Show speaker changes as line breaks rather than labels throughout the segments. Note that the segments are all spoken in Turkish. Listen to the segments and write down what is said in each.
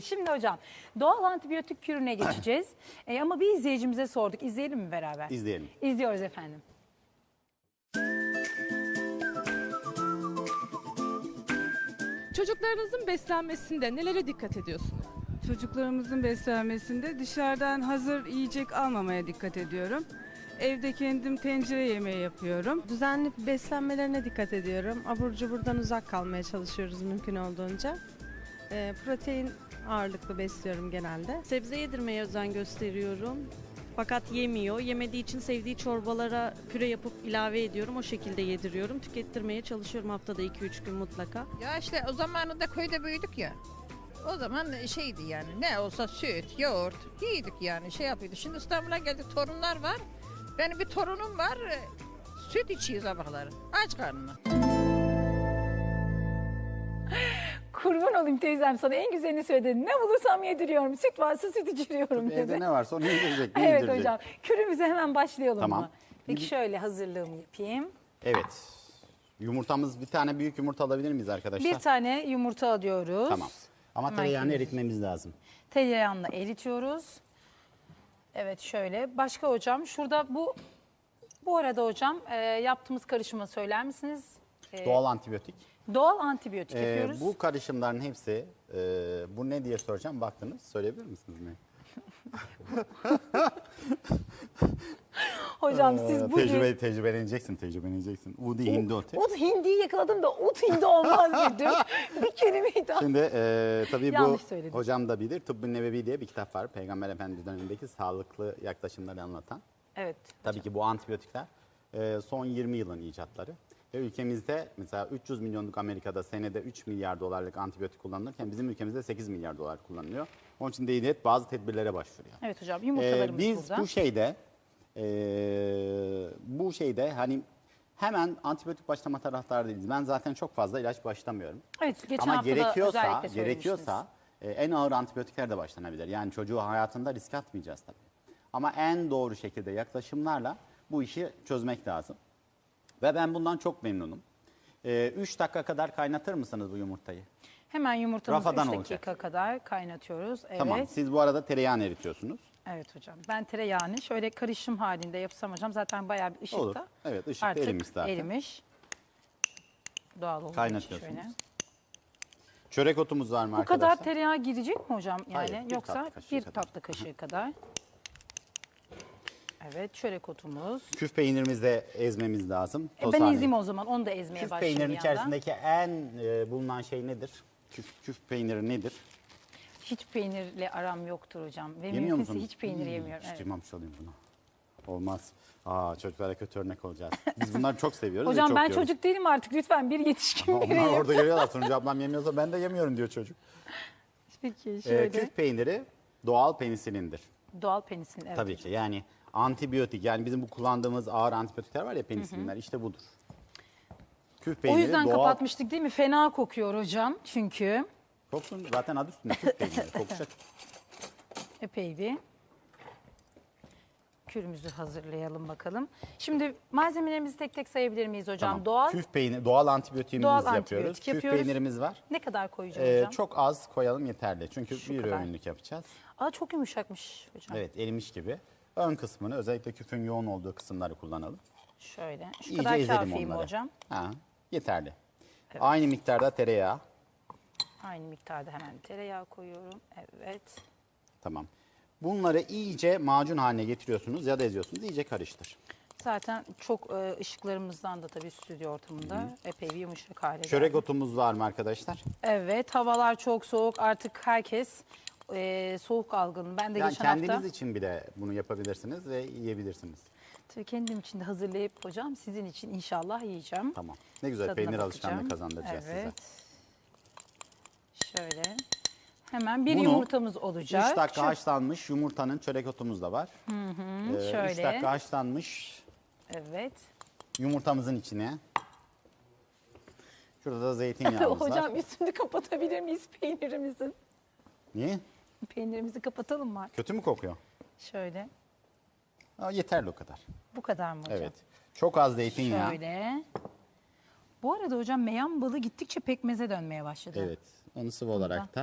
Şimdi hocam doğal antibiyotik kürüne geçeceğiz. Ama bir izleyicimize sorduk. İzleyelim mi beraber?
İzleyelim.
İzliyoruz efendim.
Çocuklarınızın beslenmesinde nelere dikkat ediyorsunuz?
Çocuklarımızın beslenmesinde dışarıdan hazır yiyecek almamaya dikkat ediyorum. Evde kendim tencere yemeği yapıyorum.
Düzenli beslenmelerine dikkat ediyorum. Abur cuburdan uzak kalmaya çalışıyoruz mümkün olduğunca. Protein ağırlıklı besliyorum genelde. Sebze yedirmeye özen gösteriyorum. Fakat yemiyor. Yemediği için sevdiği çorbalara püre yapıp ilave ediyorum. O şekilde yediriyorum. Tükettirmeye çalışıyorum haftada 2-3 gün mutlaka.
Ya işte o zamanında köyde büyüdük ya. O zaman şeydi yani ne olsa süt, yoğurt yiydik yani şey yapıyorduk. Şimdi İstanbul'a geldik torunlar var. Benim bir torunum var süt içiyor sabahları aç karnına.
Kurban olayım teyzem, sana en güzelini söyledin. Ne bulursam yediriyorum. Süt varsa süt içiriyorum dedi.
Evde ne varsa onu yedirecek. Ne
Evet
yedirecek?
hocam. Kürümüze hemen başlayalım
Tamam.
mı? Peki şöyle hazırlığımı yapayım.
Evet. Yumurtamız, bir tane büyük yumurta alabilir miyiz arkadaşlar?
Bir tane yumurta alıyoruz.
Tamam. Ama
Hemen
tereyağını
kürümüzü
eritmemiz lazım.
Tereyağını eritiyoruz. Evet şöyle. Başka hocam şurada bu arada hocam yaptığımız karışımı söyler misiniz?
Doğal antibiyotik.
Doğal antibiyotik yapıyoruz.
Bu karışımların hepsi, bu ne diye soracağım, baktınız. Söyleyebilir misiniz ne?
Hocam siz bugün...
Tecrübeleneceksin. Udi hindote.
Ud hindiyi yakaladım da ut hindi olmaz dedim. Bir kelimeyi daha.
Şimdi tabii bu
Yanlış söyledim.
hocam da bilir. Tıbb-ı Nebevi diye bir kitap var. Peygamber Efendimiz dönemindeki sağlıklı yaklaşımları anlatan.
Evet.
Tabii ki bu antibiyotikler son 20 yılın icatları. Ve ülkemizde mesela 300 milyonluk Amerika'da senede 3 milyar dolarlık antibiyotik kullanılırken bizim ülkemizde 8 milyar dolar kullanılıyor. Onun için devlet bazı tedbirlere başvuruyor.
Evet hocam yumurtalarımız
Biz
burada.
bu şeyde hani hemen antibiyotik başlama taraftarı değiliz. Ben zaten çok fazla ilaç başlamıyorum.
Evet geçen
Ama
hafta da özellikle
gerekiyorsa en ağır antibiyotikler de başlanabilir. Yani çocuğu hayatında risk atmayacağız tabii. Ama en doğru şekilde yaklaşımlarla bu işi çözmek lazım. Ve ben bundan çok memnunum. 3 dakika kadar kaynatır mısınız bu yumurtayı?
Hemen yumurtamızı 3
Rafadan
dakika
olacak.
kadar kaynatıyoruz. Evet.
Tamam. Siz bu arada tereyağını eritiyorsunuz.
Evet hocam. Ben tereyağını şöyle karışım halinde yapsam hocam zaten bayağı bir ışıkta.
Olur. Evet, ışıkta
Artık
erimiş zaten.
erimiş. Doğal olduğu için
Kaynatıyorsunuz.
şöyle.
Çörek otumuz var mı
Bu
arkadaşlar?
kadar tereyağı girecek mi hocam? Yani
Hayır, bir
yoksa
tatlı kaşığı
bir
kadar.
tatlı kaşığı kadar. Evet, çörek otumuz.
Küf peynirimizi de ezmemiz lazım. Toz
Ben
haline.
ezeyim o zaman. Onu da ezmeye
Küf
başlayayım
peynirin
bir yandan.
içerisindeki en bulunan şey nedir? Küf peyniri nedir?
Hiç peynirle aram yoktur hocam. Ve
Yemiyor
mümkünse
musunuz?
hiç peynir yemiyorum.
Hiç
Evet.
duymamış olayım bunu. Olmaz. Çocuklara kötü örnek olacağız. Biz bunları çok seviyoruz ve
Hocam
çok
ben
yiyoruz.
çocuk değilim artık. Lütfen bir yetişkin
Onlar
bireyim.
orada görüyorlar. Sonucu ablam yemiyorsa ben de yemiyorum diyor çocuk.
Peki şöyle.
Küf peyniri doğal penisilindir.
Doğal penisilin. Evet.
Tabii ki yani antibiyotik, yani bizim bu kullandığımız ağır antibiyotikler var ya, penisilinler, işte budur. Küf
O
peyniri
yüzden
doğal.
kapatmıştık değil mi? Fena kokuyor hocam çünkü.
Koksun, zaten adı üstünde küf peyniri kokacak.
Epey bir kürümüzü hazırlayalım bakalım. Şimdi malzemelerimizi tek tek sayabilir miyiz hocam?
Tamam.
Doğal.
Küf peyniri, doğal antibiyotiğimizi
Doğal
yapıyoruz.
antibiyotik
Küf
yapıyoruz.
peynirimiz var.
Ne kadar koyacağım hocam?
Çok az koyalım yeterli. Çünkü
Şu
bir
kadar.
öğünlük yapacağız.
Aa, çok yumuşakmış hocam.
Evet, erimiş gibi. Ön kısmını, özellikle küfün yoğun olduğu kısımları kullanalım.
Şöyle. Şu
İyice
kadar
ezelim
kafi mi
onları.
hocam?
Yeterli. Aynı miktarda tereyağı.
Aynı miktarda hemen tereyağı koyuyorum. Evet.
Tamam. Bunları iyice macun haline getiriyorsunuz ya da eziyorsunuz. İyice karıştır.
Zaten çok ışıklarımızdan da tabii stüdyo ortamında epey bir yumuşak hale
Çörek
geldi.
otumuz var mı arkadaşlar?
Evet, havalar çok soğuk. Artık herkes soğuk algını. Ben de
Yani
geçen
kendiniz
hafta
için bile bunu yapabilirsiniz ve yiyebilirsiniz.
tabii kendim için de hazırlayıp hocam sizin için inşallah yiyeceğim.
Tamam. Ne güzel,
Tadına
peynir
bakacağım.
alışkanlığı kazandıracağız
Evet.
size.
Şöyle. Hemen bir
Bunu
yumurtamız olacak.
3 dakika
Şu-
haşlanmış yumurtanın çörek otumuz da var. 3
şöyle.
dakika haşlanmış
Evet.
yumurtamızın içine. Şurada da zeytinyağımız var.
Hocam üstünü kapatabilir miyiz peynirimizin?
Niye?
Peynirimizi kapatalım mı?
Kötü mü kokuyor?
Şöyle.
Yeterli o kadar.
Bu kadar mı hocam?
Evet. Çok az zeytinyağı.
Şöyle. Bu arada hocam meyan balı gittikçe pekmeze dönmeye başladı.
Evet. Onu sıvı olarak da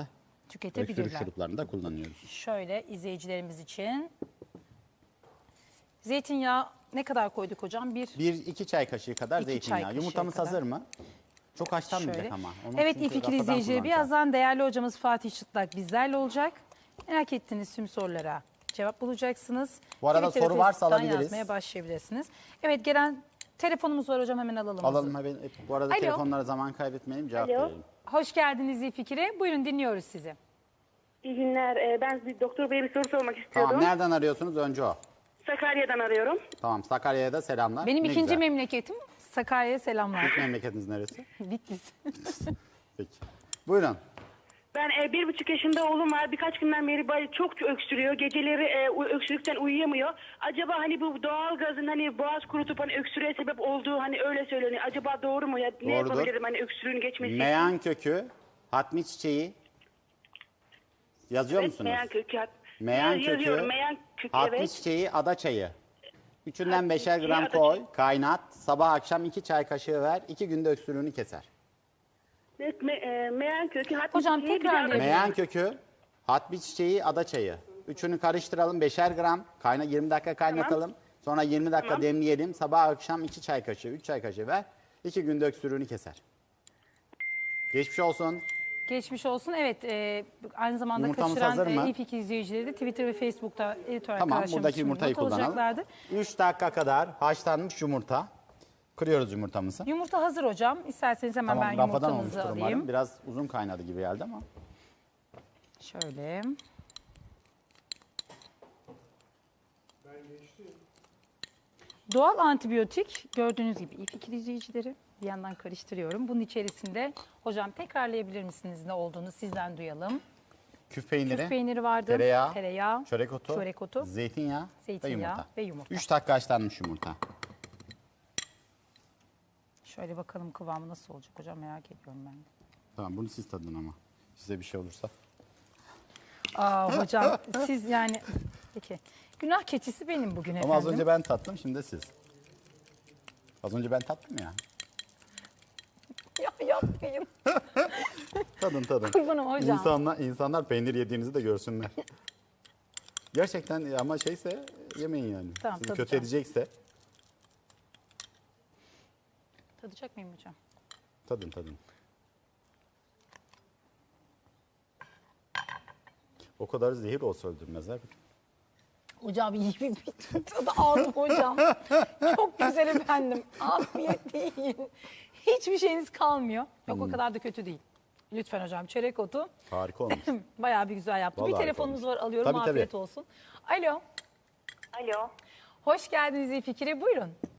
Öksürük
tüketebilirler.
şuruplarını da kullanıyoruz.
Şöyle izleyicilerimiz için. Zeytinyağı ne kadar koyduk hocam?
1-2 çay kaşığı kadar
2 çay
zeytinyağı.
kaşığı
Yumurtamız
kadar.
hazır mı? Çok haşlanmayacak
Şöyle.
ama. Onu
Evet
çünkü
İfikir
rafadan
izleyicileri
kullanacağız.
birazdan değerli hocamız Fatih Çıtlak bizlerle olacak. Merak ettiğiniz tüm sorulara cevap bulacaksınız.
Bu arada
Twitter ve
soru varsa
Facebook'tan
alabiliriz.
yazmaya başlayabilirsiniz. Evet gelen telefonumuz var hocam, hemen alalım.
Alalım hemen. Bu arada
Alo.
telefonlara zaman kaybetmeyelim, cevap
Alo.
verelim.
Hoş geldiniz İfikir'e. Buyurun dinliyoruz sizi.
İyi günler. Ben bir doktor beye bir soru sormak istiyordum.
Tamam, nereden arıyorsunuz? Önce o.
Sakarya'dan arıyorum.
Tamam, Sakarya'ya da selamlar.
Benim
Ne
ikinci
güzel.
memleketim Sakarya'ya selamlar.
Memleketiniz neresi?
Bitlis.
Peki. Buyurun.
Ben 1,5 yaşında oğlum var. Birkaç günden beri çok öksürüyor. Geceleri öksürükten uyuyamıyor. Acaba hani bu doğal gazın hani boğaz kurutup hani öksürüğe sebep olduğu hani öyle söyleniyor. Acaba doğru mu ya? Ne
Doğrudur.
yapabilirim hani öksürüğün geçmesi için?
Meyan kökü, hatmi çiçeği. Yazıyor
Evet,
musunuz?
meyan kökü.
Meyan
Yazıyorum.
kökü,
Meyan kökü
hatmi
evet.
çiçeği, ada çayı. Üçünden
Hatmi
5'er
çiçeği,
gram
ada
koy,
çayı.
kaynat. Sabah akşam 2 çay kaşığı ver. 2 günde öksürüğünü keser.
Evet, meyan kökü. Hatmi
Hocam,
çiçeği, bir de
tekrarlayın.
ada çayı.
Meyan kökü, hatmi çiçeği, ada çayı. Üçünü karıştıralım 5'er gram. 20 dakika kaynatalım. Sonra 20 dakika demleyelim. Sabah akşam 2 çay kaşığı, 3 çay kaşığı ver. 2 günde öksürüğünü keser. Geçmiş olsun.
Geçmiş olsun. Evet, aynı zamanda
Yumurtamız hazır
kaçıran
mı?
İFİK izleyicileri de Twitter ve Facebook'ta editör
Tamam,
arkadaşlarımız
buradaki
için
yumurtayı
not
kullanalım.
alacaklardı.
3 dakika kadar haşlanmış yumurta. Kırıyoruz yumurtamızı.
Yumurta hazır hocam. İsterseniz hemen
Tamam,
ben
rafadan
yumurtamızı
olmuştur
alayım.
umarım. Biraz uzun kaynadı gibi geldi ama.
Şöyle. Doğal antibiyotik gördüğünüz gibi İFİK izleyicileri, bir yandan karıştırıyorum. Bunun içerisinde hocam tekrarlayabilir misiniz ne olduğunu sizden duyalım.
Küf peyniri,
Küf peyniri vardı,
tereyağı, çörek otu, zeytinyağı,
zeytinyağı ve yumurta.
3 dakika haşlanmış yumurta.
Şöyle bakalım kıvamı nasıl olacak hocam, merak ediyorum ben de.
Tamam, bunu siz tadın ama. Size bir şey olursa.
Hocam siz yani peki günah keçisi benim bugün efendim.
Ama az önce ben tattım, şimdi de siz. Az önce ben tattım ya.
Ya yapmayın.
Tadın.
Kurbanım hocam.
İnsanlar peynir yediğinizi de görsünler. Gerçekten ama şeyse yemeyin yani.
Tamam,
Sizi kötü
tadacağım.
edecekse
Tadacak mıyım hocam?
tadın. O kadar zehir olsa öldürmezler.
Hocam iyi bir tadı aldım hocam. Çok güzel efendim. Afiyet yiyin. Hiçbir şeyiniz kalmıyor. Yok o kadar da kötü değil. Lütfen hocam, çörek otu
Harika olmuş.
bayağı bir güzel yaptı.
Vallahi
Bir
harika
telefonumuz
olmuş.
var, alıyorum.
Tabii,
Afiyet
tabii.
olsun. Alo.
Alo.
Hoş geldiniz İfikir'e, buyurun.